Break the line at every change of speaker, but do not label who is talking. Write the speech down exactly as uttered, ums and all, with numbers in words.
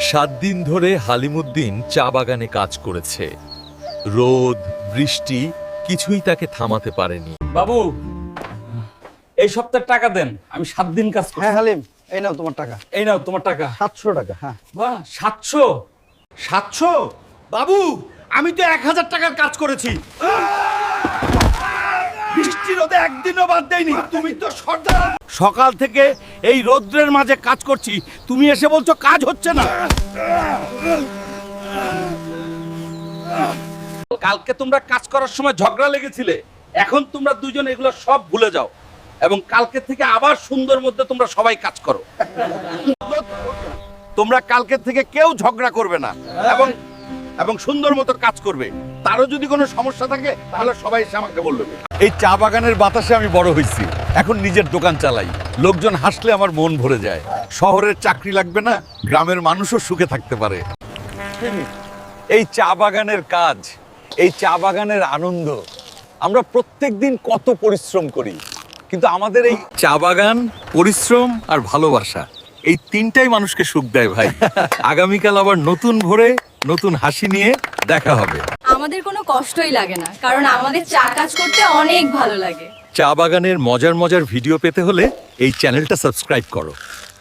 সাত দিন ধরে হালিমুদ্দিন চা বাগানে কাজ করেছে। রোদ বৃষ্টি কিছুই তাকে থামাতে পারেনি।
বাবু, এই সপ্তাহের টাকা দেন, আমি সাত দিন কাজ করছি।
হ্যাঁ হালিম, এই নাও তোমার টাকা।
এই নাও তোমার টাকা।
সাতশো টাকা। হ্যাঁ।
বাহ, সাতশো?
সাতশো? বাবু, আমি তো এক হাজার টাকার কাজ করেছি। বৃষ্টি রোদে একদিনও বাদ দেয়নি। তুমি তো সর্দার। সকাল থেকে এই রৌদ্রের মাঝে কাজ করছি, তুমি এসে বলছো কাজ হচ্ছে না।
কালকে তোমরা কাজ করার সময় ঝগড়া লেগেছিলে, এখন তোমরা দুজন এগুলো সব ভুলে যাও এবং কালকে থেকে আবার সুন্দর মধ্যে তোমরা সবাই কাজ করো।
তোমরা কালকে থেকে কেউ ঝগড়া করবে না এবং এবং সুন্দর মতো কাজ করবে। তারও যদি কোনো সমস্যা থাকে তাহলে সবাই এসে আমাকে বলবে। এই চা বাগানের বাতাসে আমি বড় হয়েছি, এখন নিজের দোকান চালাই। লোকজন হাসলে আমার মন ভরে যায়। শহরের চাকরি লাগবে না, গ্রামের মানুষও সুখে থাকতে পারে।
এই চা বাগানের কাজ, এই চা বাগানের আনন্দ, আমরা প্রত্যেক দিন কত পরিশ্রম করি, কিন্তু আমাদের এই চা বাগান, পরিশ্রম আর ভালোবাসা, এই তিনটাই মানুষকে সুখ দেয় ভাই। আগামীকাল আবার নতুন ভোরে নতুন হাসি নিয়ে দেখা হবে।
আমাদের কোনো কষ্টই লাগে না, কারণ আমাদের চা কাজ করতে অনেক ভালো লাগে।
চা বাগানের মজার মজার ভিডিও পেতে হলে এই চ্যানেলটা সাবস্ক্রাইব করো।